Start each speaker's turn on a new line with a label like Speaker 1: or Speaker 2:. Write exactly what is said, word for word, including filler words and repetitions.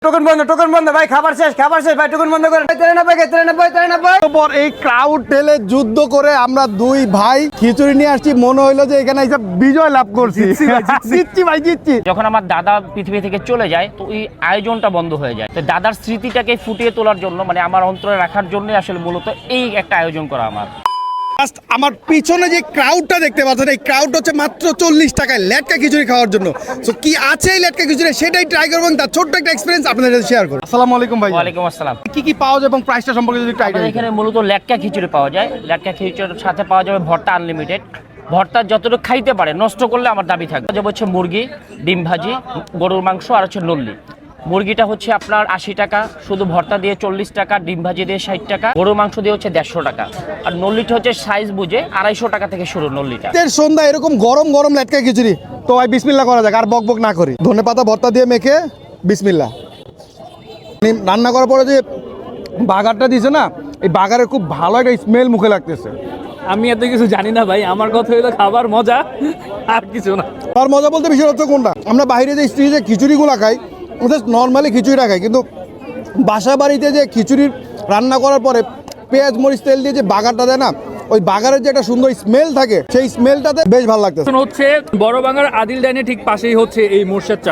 Speaker 1: Token বন্ধ token বন্ধ ভাই, খাবার শেষ খাবার শেষ ভাই, টোকন বন্ধ করেন। তিরানব্বই তিরানব্বই তিরানব্বই
Speaker 2: পর এই ক্রাউড ঠেলে যুদ্ধ করে আমরা দুই ভাই খিচুড়ি নিয়ে আসছি, মনে হইলো যে এখানে এসে বিজয় লাভ করছি। জিতছি ভাই জিতছি।
Speaker 3: যখন আমার দাদা পৃথিবী থেকে চলে যায় তো এই আয়োজনটা বন্ধ হয়ে যায়। তো দাদার স্মৃতিটাকে ফুটিয়ে তোলার জন্য, মানে আমার অন্তরে রাখার জন্য আসলে মূলত এই একটা আয়োজন করা আমার।
Speaker 2: আমার পিছনে যে ক্রাউডটা দেখতে পাচ্ছেন, এই ক্রাউড হচ্ছে মাত্র চল্লিশ টাকায় লেটকা খিচুড়ি খাওয়ার জন্য। তো কি আছে এই লেটকা খিচুড়ি সেটাই ট্রাই করবো, তার ছোট্ট একটা এক্সপিরিয়েন্স আপনাদের সাথে শেয়ার করবো। আসসালামু আলাইকুম ভাই।
Speaker 3: ওয়ালাইকুম আসসালাম।
Speaker 2: কি কি পাওয়া যায় এবং প্রাইসটা সম্পর্কে যদি ট্রাই
Speaker 3: আমাদের এখানে মূলত লেটকা খিচুড়ি পাওয়া যায়। লেটকা খিচুড়ির সাথে পাওয়া যাবে ভর্তা আনলিমিটেড। ভর্তা যতটুকু খাইতে পারে, নষ্ট করলে আমার দাবি থাকবে। যেমন হচ্ছে মুরগি, ডিম ভাজি, গরুর মাংস আর হচ্ছে নল্লি। মুরগিটা হচ্ছে আপনার আশি টাকা, শুধু ভর্তা দিয়ে চল্লিশ টাকা, ডিম ভাজি দিয়ে ষাট টাকা, গরুর মাংস দিয়ে হচ্ছে দেড়শো টাকা। আর নল্লিটা হচ্ছে সাইজ বুঝে আড়াইশো টাকা থেকে শুরু নল্লিটা।
Speaker 2: সন্ধ্যা এরকম গরম গরম লেটকা খিচুড়ি, তো ভাই বিসমিল্লাহ করা যাক, আর বক বক না করি। ধনে পাতা ভর্তা দিয়ে মেখে বিসমিল্লাহ। রান্না করার পরে যে বাগারটা দিছে না, এই বাগারের খুব ভালো একটা স্মেল মুখে লাগতেছে।
Speaker 4: আমি এত কিছু জানি না ভাই, আমার কথা হলো খাবার মজা আর কিছু না।
Speaker 2: আর মজা বলতে বিষয় হচ্ছে কোনটা, আমরা বাইরে যে স্ত্রী যে খিচুড়িগুলো খাই, ওদের নর্মালি খিচুড়িটা খাই, কিন্তু বাসা বাড়িতে যে খিচুড়ি রান্না করার পরে পেঁয়াজ মরিচ তেল দিয়ে যে বাগারটা দেয় না, ওই বাগারের যে একটা সুন্দর স্মেল থাকে, সেই স্মেলটাতে বেশ ভালো লাগতেছে।
Speaker 4: হচ্ছে বড় বাংলার আদিল ডাইনের ঠিক পাশেই হচ্ছে এই মোর্শেদ চা।